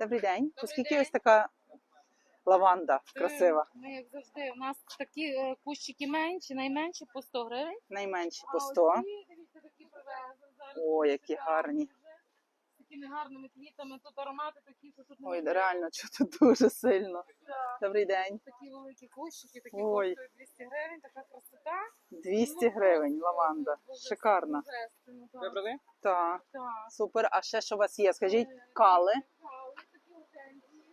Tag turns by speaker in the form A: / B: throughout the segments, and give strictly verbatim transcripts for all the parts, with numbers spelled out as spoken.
A: Добрий день.
B: Добрий
A: Оскільки
B: день.
A: ось така лаванда красива?
B: Ми, як завжди, у нас такі е, кущики менші, найменші по сто гривень.
A: Найменші
B: А
A: по
B: ось
A: сто.
B: ці, дивіться, такі привезли зараз.
A: О, які
B: Шикарні
A: гарні.
B: вже, з такими гарними квітами. Тут аромати такі, що тут
A: Ой,
B: неможливо.
A: реально, чути дуже сильно.
B: Так.
A: Добрий день.
B: Такі великі кущики, такі
A: Ой.
B: коштують двісті гривень, така красота.
A: двісті
B: Ну,
A: гривень
B: просто
A: лаванда.
B: боже-
A: Шикарна.
B: божественно, так.
C: Добрий день.
A: Так,
B: Так.
A: супер. А ще що у вас є? Скажіть,
B: Е,
A: кали,
B: кали, такі гортензії.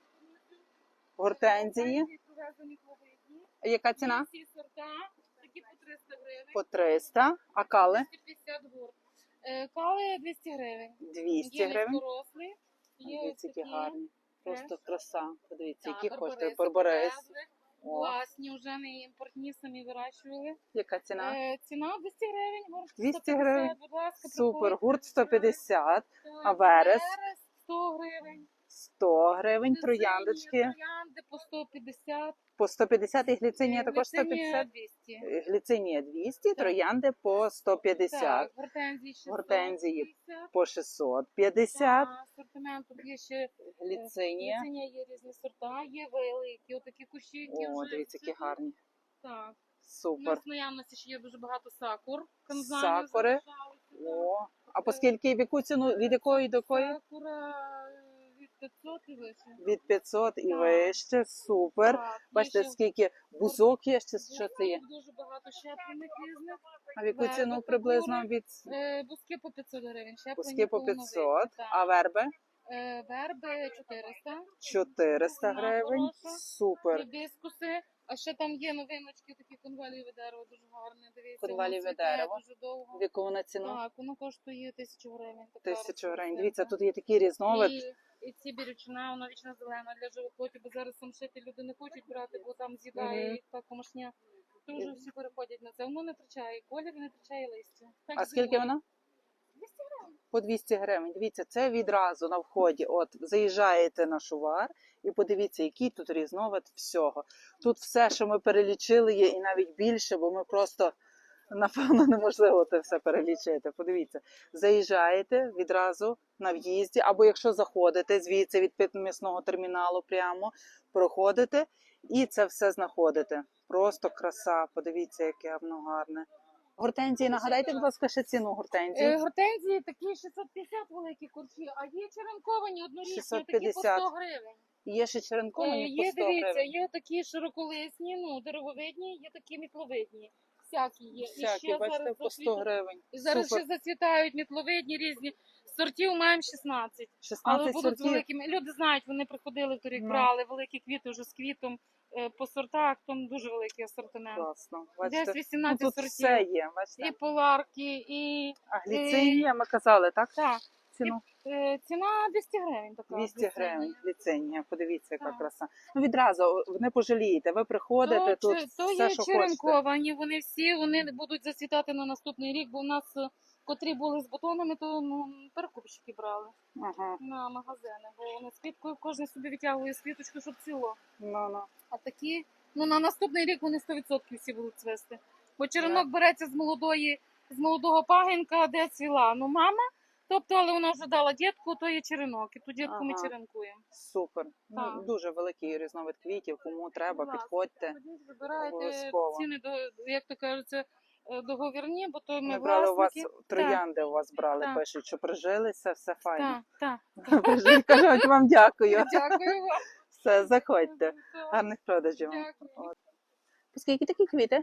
A: гортензії.
B: Привезені клубні.
A: Яка ціна?
B: Всі сорта, такі по триста гривень.
A: По триста. А кали?
B: двісті п'ятдесят гурт. Е, Кали двісті гривень.
A: двісті
B: Є
A: гривень.
B: низькорослі, є ось
A: Дивіться, які
B: такі.
A: гарні. Просто краса. Подивіться,
B: Так,
A: які коштує
B: барбариси
A: барбарис.
B: привезли.
A: О,
B: Класні, вже не імпортні, самі вирощували.
A: яка ціна?
B: Е, ціна двісті гривень, гурт
A: двісті
B: сто п'ятдесят,
A: гривень?
B: будь ласка,
A: Супер.
B: приходьте.
A: Гурт сто п'ятдесят,
B: Так,
A: а верес?
B: сто гривень.
A: сто гривень.
B: Глицинія,
A: Трояндочки
B: Троянди по сто п'ятдесят.
A: по сто п'ятдесят і гліцинія
B: Е,
A: також сто
B: глицинія
A: п'ятдесят.
B: двісті.
A: Гліцинія двісті,
B: Так.
A: троянди по сто п'ятдесят,
B: Так, гортензії шістсот
A: Гортензії
B: п'ятдесят.
A: по шістсот п'ятдесят,
B: Так, асортимент тут є ще.
A: гліцинія.
B: Глицинія є різні сорта, є великі, отакі кущі, які
A: О,
B: вже
A: дивіться, які
B: цвітуть.
A: гарні.
B: Так. У
A: Супер.
B: нас в наявності ще є дуже багато сакур. Канзанів
A: Сакури.
B: залишалися,
A: О, а по скільки, в яку ціну, від якої до
B: так.
A: якої?
B: Сакура е, від п'ятсот і вище.
A: Від п'ятсот і
B: Так.
A: вище, супер.
B: Так, є
A: Бачите,
B: ще
A: скільки бузок є, ще що це є?
B: Дуже багато щеплених різних.
A: А в яку
B: верби,
A: ціну
B: фігури.
A: приблизно від
B: Е, Бузки по п'ятсот гривень, щеплені
A: пуски по
B: повновидні,
A: п'ятсот,
B: так.
A: а верби
B: Е, Верби чотириста.
A: чотириста
B: Вона
A: гривень.
B: хороша.
A: Супер.
B: Гібіскуси. А ще там є новиночки, такі конвалієве дерево, дуже гарне. Дивіться,
A: Конвалієве
B: воно цвіте
A: дерево.
B: дуже довго.
A: В яку вона ціну?
B: Так, воно коштує тисячу гривень. така
A: Тисячу гривень.
B: рослинка.
A: Дивіться, тут є такий різновид.
B: І, і ці бірючина, вона вічно зелена для живоплоті, бо зараз самшити люди не хочуть брати, бо там з'їдає
A: Мгм.
B: їх та комашня. Дуже всі переходять на це. Воно не втрачає колір, не втрачає листя. Так
A: А скільки
B: зимою.
A: вона?
B: двісті гривень.
A: По двісті гривень. Дивіться, це відразу на вході. От заїжджаєте на шувар і подивіться, який тут різновид всього. Тут все, що ми перелічили, є і навіть більше, бо ми просто, напевно, неможливо це все перелічити. Подивіться, заїжджаєте відразу на в'їзді, або якщо заходите звідси від м'ясного терміналу прямо, проходите і це все знаходите. Просто краса. Подивіться, яке воно гарне. Гортензії, нагадайте, будь ласка, ще ціну
B: Е,
A: гортензії.
B: Гортензії такі шістсот п'ятдесят великі курчі, а є черенковані однорічні, такі по
A: шістсот
B: сто гривень.
A: Є ще
B: Е,
A: черенковані по
B: Є,
A: сто
B: дивіться,
A: гривень.
B: є такі широколисні, ну, деревовидні, є такі мітловидні. Всякі є.
A: Всякі,
B: і ще
A: бачите,
B: зараз
A: по сто
B: зацвітуть-
A: гривень.
B: І зараз
A: Супер.
B: ще зацвітають мітловидні різні. Сортів маємо шістнадцять. Але
A: шістнадцять
B: будуть з
A: сортів.
B: великими. Люди знають, вони приходили в торік,
A: Ну.
B: брали великі квіти вже з квітом е, по сортах, там дуже великий асортимент.
A: Класно.
B: Десь
A: Бачите, ну,
B: вісімнадцять
A: тут
B: сортів.
A: все є, бачите.
B: І поларки, і
A: А гліцинія, ми казали, так?
B: так.
A: Ціну?
B: Е, ціна двісті гривень така.
A: двісті
B: гліцинія.
A: гривень гліцинія. Подивіться, яка
B: Так.
A: краса. Ну відразу не пожалієте. Ви приходите,
B: То,
A: тут
B: чи- то
A: все,
B: є
A: що хочете.
B: черенковані, вони всі вони будуть зацвітати на наступний рік, бо у нас, е, котрі були з бутонами, то ну, перекупщики брали
A: Ага.
B: на магазини, бо вони з квіткою, кожен собі витягує з квіточку, щоб ціло.
A: Ну, ну.
B: А такі, ну на наступний рік вони сто відсотків всі будуть цвести. Бо черенок береться з молодої, з молодого пагінка, де цвіла. Ну мама, тобто, але вона вже дала дітку, то є черенок, і ту дітку ми
A: Ага.
B: черенкуємо.
A: Супер. Ну,
B: Так.
A: дуже великий різновид квітів. Кому треба,
B: Будь ласка,
A: підходьте.
B: ходіть, вибирайте
A: Обов'язково.
B: ціни, до, як то кажуть, договірні, бо то ми
A: Ми брали у вас
B: власники.
A: троянди, у вас брали,
B: Так.
A: пишуть, що прижилися, все файно.
B: Так, так.
A: Прижили, кажуть, вам дякую.
B: Дякую вам.
A: Все, заходьте.
B: Так,
A: Гарних продажів вам.
B: дякую.
A: По скільки такі квіти?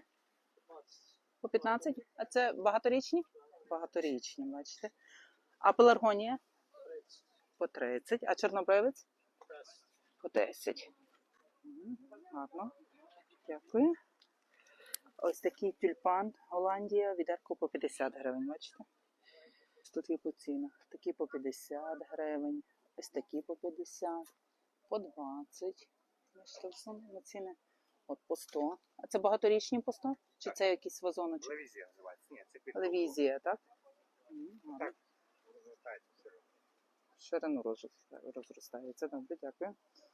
A: По п'ятнадцять? А це багаторічні? Багаторічні, бачите. А пеларгонія? По тридцять. А чорнобривець? По десять. Мгм, гарно. Дякую. Ось такий тюльпан Голландія, відерко по п'ятдесят гривень, бачите? Тут є по цінах. Такі по п'ятдесят гривень, ось такі по п'ятдесят, по двадцять. Бачите, все на ціни. От по сто. А це багаторічні по сто? Чи це якісь вазоночки?
C: Левізія називається. Ні, це під
A: Левізія, так? М, гарно.
C: Так. розростається все.
A: Ширину розростається. Добре, дякую.